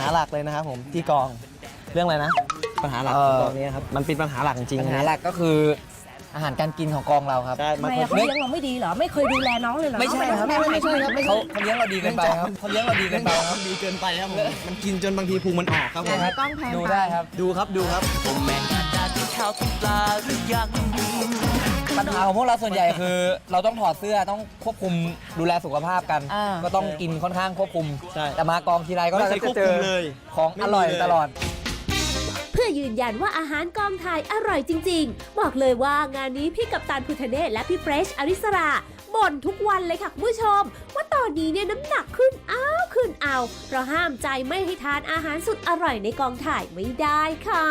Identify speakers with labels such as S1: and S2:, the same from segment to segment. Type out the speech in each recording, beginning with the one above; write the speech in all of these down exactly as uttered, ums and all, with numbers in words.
S1: หลักเลยนะครับผมที่กองเรื่องอะไรนะปัญหาหลักของกองนี้ครับมันเป็นปัญหาหลักจริงๆปัญหาหลักก็คืออาหารการกินของกองเราครับใช่
S2: ทำไมเขาเลี้ยงเราไม่ดีเหรอไม่เคยดูแลน้องเลยเหรอ
S1: ไม่ใช่ครับไม่ไม่ใช่ครับเขาเขาเลี้ยงเราดีเกินไปครับเขาเลี้ยงเราดีเกินไปครับดีเกินไปครับผมมันกินจนบางทีพุงมันออกครับผม
S2: ต้องแพง
S1: ดูได้ครับดูครับดูครับปัญหาของพวกเราส่วนใหญ่คือ เราต้องถอดเสื้อต้องควบคุมดูแลสุขภาพกัน ก็ต้องกินค่อนข้างควบคุมแต่มากองทีไรก็จะเจอของอร่อยตลอด
S3: เพื่อยืนยันว่าอาหารกองถ่ายอร่อยจริงๆบอกเลยว่างานนี้พี่กัปตันพุทธเนศและพี่เฟรชอริสราบ่นทุกวันเลยค่ะคุณผู้ชมว่าตอนนี้เนี่ยน้ำหนักขึ้นอ้าวขึ้นเอาเพราะห้ามใจไม่ให้ทานอาหารสุดอร่อยในกองถ่ายไม่ได้ค่ะ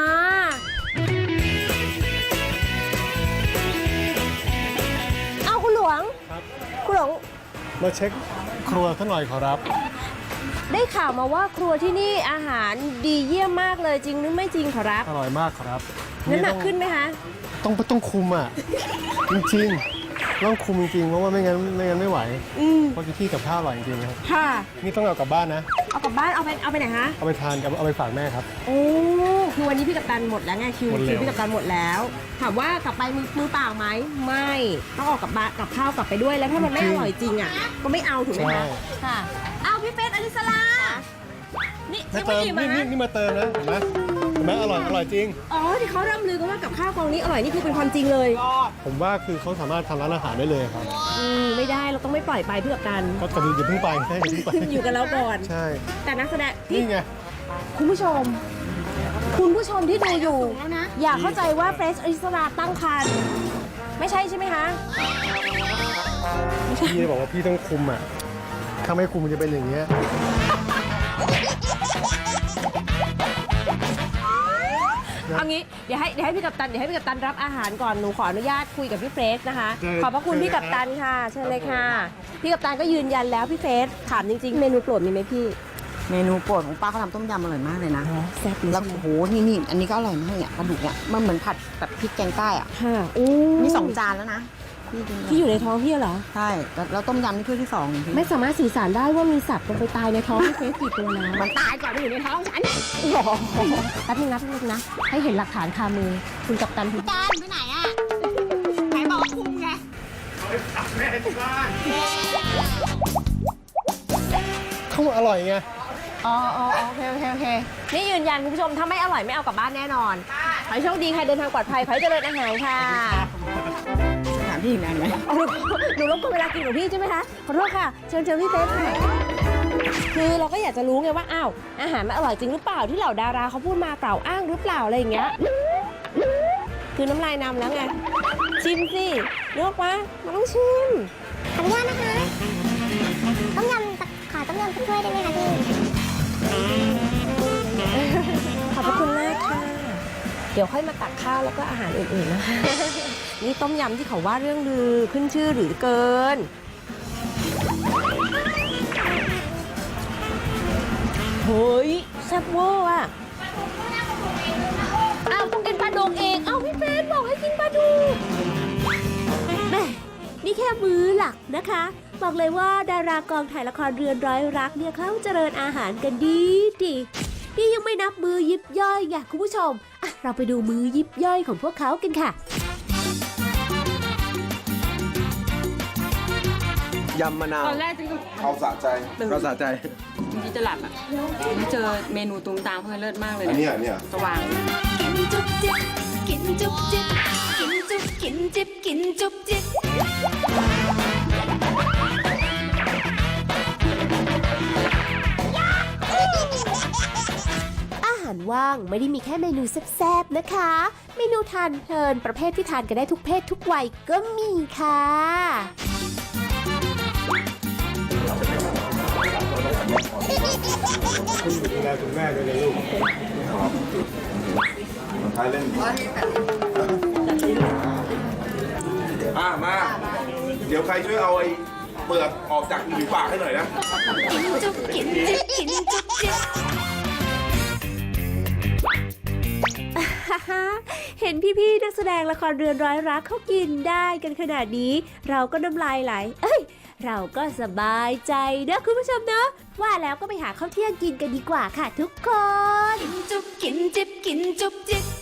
S3: เอาคุณหลวงครับคุณหลวง
S4: มาเช็คครัวท่านหน่อยขอรับ
S3: ได้ข่าวมาว่าครัวที่นี่อาหารดีเยี่ยมมากเลยจริงหรือไม่จริงขอรับ
S4: อร่อยมากครับ
S3: น้ำหนักขึ้นไหมคะ
S4: ต้องต้องคุมอ่ะจริงๆต้องคุมจริงๆเพราะว่าไม่งั้นไม่งั้นไม่ไหวเพราะที่กับข้าวอร่อยจริงๆนะครับ
S3: ค่ะ
S4: นี่ต้องเอากลับบ้านนะ
S3: เอากลับบ้านเอาไปเอาไปไหนคะ
S4: เอาไปทานกับเอาไปฝากแม่ครับ
S3: โอ้คือวันนี้พี่กัปตันหมดแล้วไงคิวคิวพี่กัปตันหมดแล้วถามว่ากลับไปมือมือเปล่าไหมไม่ต้องออกกับบ้านกับข้าวกลับไปด้วยแล้วถ้ามันไม่อร่อยจริงอ่ะก็ไม่เอาถูกไหมคะค่ะเอาพี่เฟสอลิสลานี่
S4: มาเติมนี่นี่นี่มาเติมนะเห็นไหมเห็นไหมอร่อยอร่อยจริง
S3: อ๋อที่เขาร่ำลือกันว่ากับข้าวกองนี้อร่อยนี่คือเป็นความจริงเลย
S4: ผมว่าคือเขาสามารถทำร้านอาหารได้เลยครับ
S3: อืมไม่ได้เราต้องไม่ปล่อยไปเพื่อกัน
S4: ก็ตอนนี้อย่าเพิ่งไปใช่อย่าเพิ่งไป
S3: อยู่กับเราก่อน
S4: ใช่
S3: แต่นักแสดง
S4: นี่ไง
S3: คุณผู้ชมคุณผู้ชมที่ดูอยู่อย่าเข้าใจว่าเฟรชอริสราตั้งครรภ์ไม่ใช่ใช่ไหมคะ
S4: พี่บอกว่าพี่ต้องคุมอ่ะถ้าไม่คุมมันจะเป็นอย่างเงี้ย
S3: เอางี้เดี๋ยวให้เดี๋ยวให้พี่กัปตันเดี๋ยวให้พี่กัปตันรับอาหารก่อนหนูขออนุญาตคุยกับพี่เฟสนะคะขอบพระคุณพี่กัปตันค่ะเชิญเลยค่ะพี่กัปตันก็ยืนยันแล้วพี่เฟสถามจริงๆเมนูโปรดมีไหมพี่
S2: เมนูโปรดของป้าเขาทำต้มยำอร่อยมากเลยนะ
S3: แซ่บ
S2: แล้วโอ้โหนี่นี่อันนี้ก็อร่อยมากเนี่ยปลาดุกเนี่ยมันเหมือนผัดแบบพริกแกงใต้อ่ะ
S3: ค่ะโอ้
S2: นี่สองจานแล้วนะ
S3: ที่อยู่ในท้องพี่เหรอ
S2: ใช่แล้วต้มยำนี่ถ้วยที่สอง
S3: ไม่สามารถสื่อสารได้ว่ามีสัตว์ลงไปตายในท้องพี่เฟสกี่ตัวนะ
S2: มันตายก่อนที่อยู่ในท้องฉัน
S3: แป๊บนึงนะแป๊บนึงนะให้เห็นหลักฐานคามือคุณกัปตันคุณ
S2: กัปตันไปไหนอ่ะไหนบอกคุมไง
S4: เอาไปฝากแม่ที่บ้านเขาอร่อยไง
S3: อ๋ออ๋อโอเคโอเคโอเคนี่ยืนยันคุณผู้ชมถ้าไม่อร่อยไม่เอากลับบ้านแน่นอนขอให้โชคดีค่ะเดินทางปลอดภัยขอให้เจริญอาหารค่ะ
S2: ถามพี่อีกนานไหม
S3: หนูรบกวนเวลากินของพี่ใช่ไหมคะขอโทษค่ะเชิญเชิญพี่เฟสค่ะคือเราก็อยากจะรู้ไงว่าอ้าวอาหารมันอร่อยจริงหรือเปล่าที่เหล่าดาราเขาพูดมากล่าวอ้างหรือเปล่าอะไรอย่างเงี้ยคือน้ำลายนำแล้วไงชิมสินึกออกปะมันต้องชิม
S5: ขออนุญาตนะคะต้มยำขอต้มยำถ้วยได้ไหมคะพี่
S3: ขอบพระคุณมากค่ะเดี๋ยวค่อยมาตักข้าวแล้วก็อาหารอื่นๆนะคะนี่ต้มยำที่เขาว่าเรื่องลือขึ้นชื่อหรือเกินเฮ้ยแซ่บเวอร์อ่ะอ้าวต้องกินปลาดุกเองอ้าวพี่เฟสบอกให้กินปลาดุกแม่นี่แค่มื้อหลักนะคะบอกเลยว่าดารากองถ่ายละครเรือนร้อยรักเนี่ยเขาเจริญอาหารกันดีดีนี่ยังไม่นับมือยิบย่อยไงคุณผู้ชมอ่ะเราไปดูมือยิบย่อยของพวกเขากันค่ะ
S1: ยำมะนาว
S6: ตอนแรกจริง
S1: เขาสะใจเขาสะใจ
S6: จริงๆจะหลับอ่ะเจอเมนูตุ้งตามเพื่อนเลิศมากเลย
S1: อันนี้อันนี้
S6: สว่าง
S3: กินจุ๊บจิ๊บกินจุ๊บจิ๊บกินจุ๊บกินจิ๊บกินจุ๊บจิ๊บอาหารว่างไม่ได้มีแค่เมนูแซ่บๆนะคะเมนูทานเพลินประเภทที่ทานกันได้ทุกเพศทุกวัยก็มีค่ะ
S4: คุณดูแลคุณแม่ด้วยนะลูกท้ายเล่น
S7: อ่ะมาเดี๋ยวใครช่วยเอาไอ้เปลือกออกจากผิวปากให้หน่อยนะ
S3: กินจุ๊บกินจิ๊บกินจุ๊บจิ๊บเห็นพี่ๆนักแสดงละครเรือนร้อยรักเขากินได้กันขนาดนี้เราก็น้ำลายไหลเอ้ยเราก็สบายใจนะคุณผู้ชมเนาะว่าแล้วก็ไปหาข้าวเที่ยงกินกันดีกว่าค่ะทุกคน
S8: จุ๊บกินจิบกินจุ๊บจิ๊บ